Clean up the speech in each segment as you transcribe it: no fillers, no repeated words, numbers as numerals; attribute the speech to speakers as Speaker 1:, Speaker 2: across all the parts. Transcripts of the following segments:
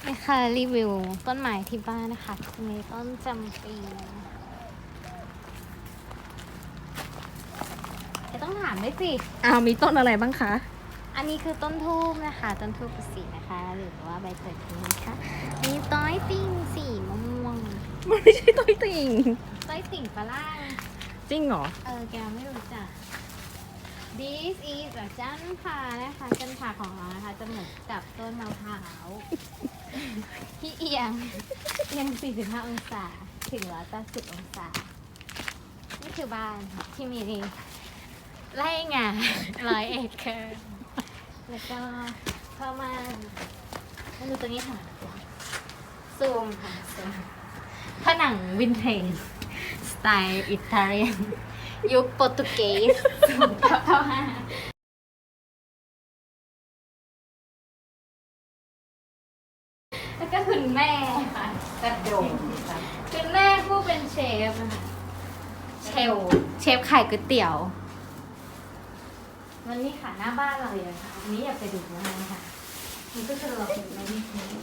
Speaker 1: นี่ค่ะรีวิวต้นไม้ที่บ้านนะคะมีต้นจำปีจะต้องถามด้วยสิ
Speaker 2: มีต้นอะไรบ้างคะ
Speaker 1: อันนี้คือต้นทูบนะคะต้นทูบฤาษีนะคะหรือว่าใบเตยทิ้งนะคะมีต้อยติ่งสีม่วง
Speaker 2: มันไม่ใช่ต้นติ่ง
Speaker 1: ต้อยติ่งฝรั่ง
Speaker 2: จริงเหรอ
Speaker 1: แกไม่รู้จัก This is จันทรานะคะจันทราของเรานะคะจะเหมือนกับต้นมะพร้าวที่เอียง 45 องศาถึง180 องศา นี่คือบ้านที่มีไร่งา100 เอเคอร์แล้วก็เข้ามาดูตัวนี้ค่ะซูมค่ะซูมผนังวินเทจสไตล์อิตาเลียนยุคโปรตุเกสเข้ามาแล้วก็คุณแม่ค่ะกระโดดคุณแม่ผู้เป็นเชฟนะคะเชฟขายก๋วยเตี๋ยววันนี้ค่ะหน้าบ้านเราเลยค่ะวันนี้อยากไปดูนะคะมันก็จะรออยู่ในนี้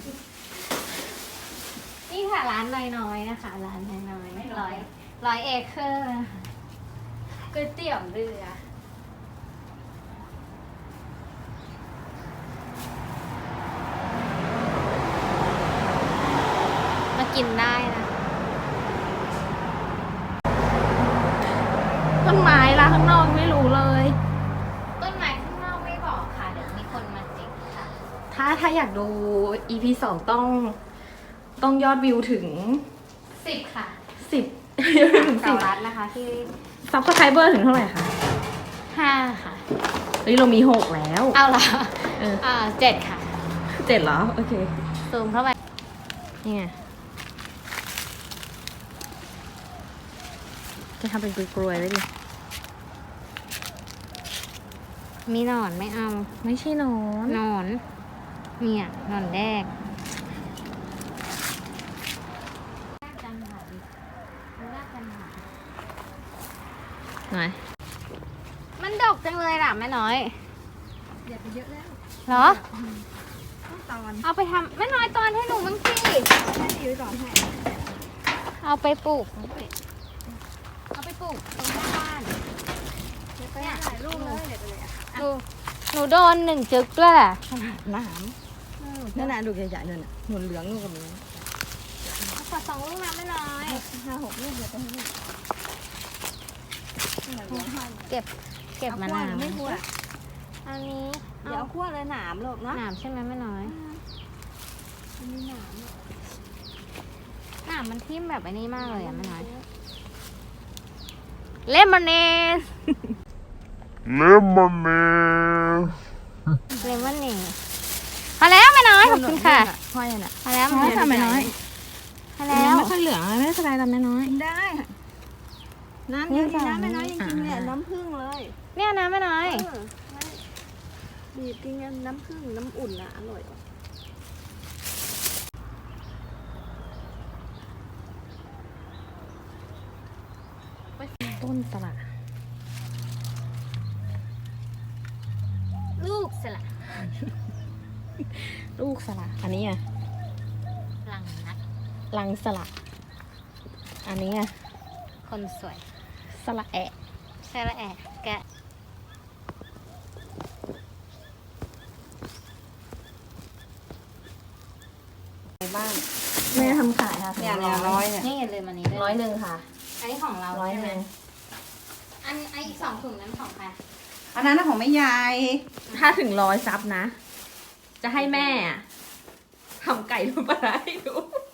Speaker 1: นี่ค่ะร้านน้อยๆนะคะร้านน้อยๆร้อยเอเคอร์นะคะก๋วยเตี๋ยวเรือมากินได้นะ
Speaker 2: ต้นไม้ละข้างนอกไม่รู้เลย
Speaker 1: ต้นไม้ข้างนอกไม่บอกค่ะเดี๋ยวมีคนมาจิกค่ะ
Speaker 2: ถ้าอยากดู EP 2ต้องยอดวิวถึง
Speaker 1: 10 ค่ะ
Speaker 2: 10 ยอดวิวถึง
Speaker 1: เสารัดนะคะที่
Speaker 2: 10 ซับสไครเบอร์ถึงเท่าไหร่คะ
Speaker 1: 5 ค่ะ
Speaker 2: เฮ้ยเรามี 6 แล้ว
Speaker 1: เอาละ 7 ค่ะ
Speaker 2: 7เหรอ โอเค
Speaker 1: ซูมเข้าไป
Speaker 2: นี่ไงจะทำเป็นกลวยๆไว้ดิ
Speaker 1: มีหนอนไม่เอา
Speaker 2: ไม่ใช่หนอน
Speaker 1: หนอนเนี่ยหนอนแดกจันหาดิดูหน้าจันหา
Speaker 2: ไหน
Speaker 1: มันดกจังเลยล่ะแม่น้อย
Speaker 3: เดี๋ยวไปเยอะแล้ว
Speaker 1: เหรอ
Speaker 3: ต้องตอน
Speaker 1: เอาไปทำแม่น้อยตอนให้หนูบ้างสิ
Speaker 3: แค่นี้ไว้ก่อนให้
Speaker 1: เอาไปปลูกเอาไปปลูกตรงหน้าบ้าน
Speaker 3: ไปถ่ายรูปเลยเดี๋ยวไปเลยอ่ะ
Speaker 1: หนูโดน1 จึกด้วยแหละ
Speaker 2: หนามนั่นน่ะดูใหญ่ๆนั่นน่ะหนุนเหลืองนู่นกับนี้
Speaker 1: ขอ2 ลูกนะแม่น้อย
Speaker 3: 5-6ลูกเดี๋ยวไปให้ลูก
Speaker 1: เก็บมะนาว
Speaker 3: ไม่คั่ว
Speaker 1: อันนี้
Speaker 3: เดี๋ยวเอาคั่วเลยหนามลูกเนาะ
Speaker 1: หนามใช่ไหมแม่น้อย
Speaker 3: มันมีหนาม
Speaker 1: หนามมันทิ่มแบบไอ้นี้มากเลยอะแม่น้อยเลมอนเนส
Speaker 4: Lemonade.
Speaker 1: เลมอนเนสพอแล้วแม่น้อยขอบคุณค่ะ
Speaker 2: ห้อยน่ะ
Speaker 1: พอแล้ว
Speaker 2: ห้อยทำไมน้อย
Speaker 1: พอแล้ว
Speaker 2: ไม่ค่อยเหลืองไม่เป็นไรทำไมน้อย
Speaker 3: กินได้น้ำเยอะดีนะแม่น้อยจริงๆเนี่ยน้ำผึ้งเลย
Speaker 1: เนี่ยนะแม่น้อย
Speaker 3: บีบกินกันน้ำผึ้งน้ำอุ่นอ่ะอร่อย
Speaker 2: ต้นสละ
Speaker 1: ลูกสละ
Speaker 2: ลูกสละอันนี้อ่ะ
Speaker 1: หลังนัก
Speaker 2: ลังสละอันนี้อ่ะ
Speaker 1: คนสวย
Speaker 2: สละแอะ
Speaker 1: ใช่ละแอะแกะ
Speaker 2: ในบ้านแม่ทำขายค่ะ
Speaker 3: เนี่ยร้อยเนี่ย
Speaker 1: นี่อย่าลืมอันนี้ด้วย
Speaker 2: 100ค่ะ
Speaker 1: อันนี้ของเราใช่ไหม
Speaker 2: 100
Speaker 1: อันอีก2 ถุงนั้นของใคร
Speaker 3: อันนั้นของแม่ยาย
Speaker 2: ถ้าถึง100 ซับนะ จะให้แม่อะทำไก่ลูกปลาร้าให้ดู